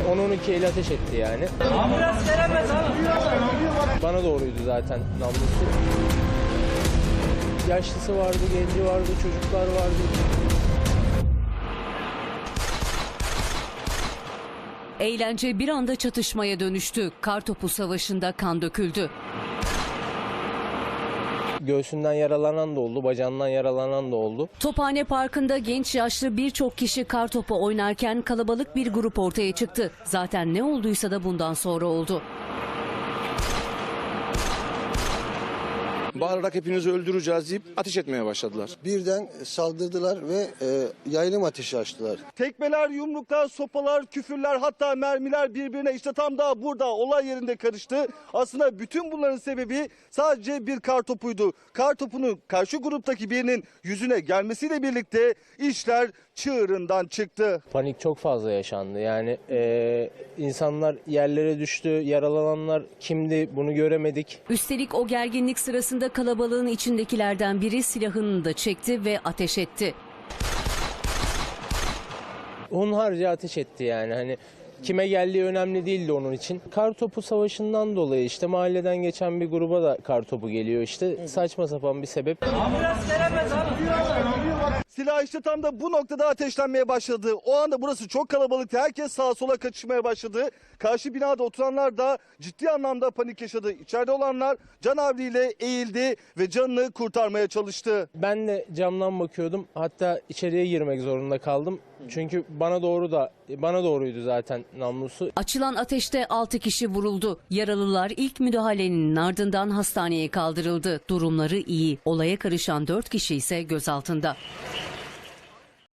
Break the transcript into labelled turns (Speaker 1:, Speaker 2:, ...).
Speaker 1: 10-12 el ateş etti yani.
Speaker 2: Ambulans veremez abi.
Speaker 1: Bana doğruydu zaten namlusu. Yaşlısı vardı, genci vardı, çocuklar vardı.
Speaker 3: Eğlence bir anda çatışmaya dönüştü. Kartopu savaşında kan döküldü.
Speaker 1: Göğsünden yaralanan da oldu, bacağından yaralanan da oldu.
Speaker 3: Tophane Parkı'nda genç yaşlı birçok kişi kartopu oynarken kalabalık bir grup ortaya çıktı. Zaten ne olduysa da bundan sonra oldu.
Speaker 4: Bağırarak hepinizi öldüreceğiz deyip ateş etmeye başladılar.
Speaker 5: Birden saldırdılar ve yaylım ateşi açtılar.
Speaker 6: Tekmeler, yumruklar, sopalar, küfürler, hatta mermiler birbirine işte tam da burada olay yerinde karıştı. Aslında bütün bunların sebebi sadece bir kartopuydu. Kartopunun karşı gruptaki birinin yüzüne gelmesiyle birlikte işler çığırından çıktı.
Speaker 1: Panik çok fazla yaşandı. Yani insanlar yerlere düştü, yaralananlar kimdi bunu göremedik.
Speaker 3: Üstelik o gerginlik sırasında kalabalığın içindekilerden biri silahını da çekti ve ateş etti.
Speaker 1: Hunharca ateş etti yani. Hani kime geldiği önemli değildi onun için. Kartopu savaşından dolayı işte mahalleden geçen bir gruba da kartopu geliyor işte. Saçma sapan bir sebep.
Speaker 2: Ambulans veremez abi.
Speaker 6: Silah işte tam da bu noktada ateşlenmeye başladı. O anda burası çok kalabalıktı. Herkes sağa sola kaçışmaya başladı. Karşı binada oturanlar da ciddi anlamda panik yaşadı. İçeride olanlar canavliyle eğildi ve canını kurtarmaya çalıştı.
Speaker 1: Ben de camdan bakıyordum. Hatta içeriye girmek zorunda kaldım. Çünkü bana doğruydu zaten namlusu.
Speaker 3: Açılan ateşte 6 kişi vuruldu. Yaralılar ilk müdahalenin ardından hastaneye kaldırıldı. Durumları iyi. Olaya karışan 4 kişi ise gözaltında.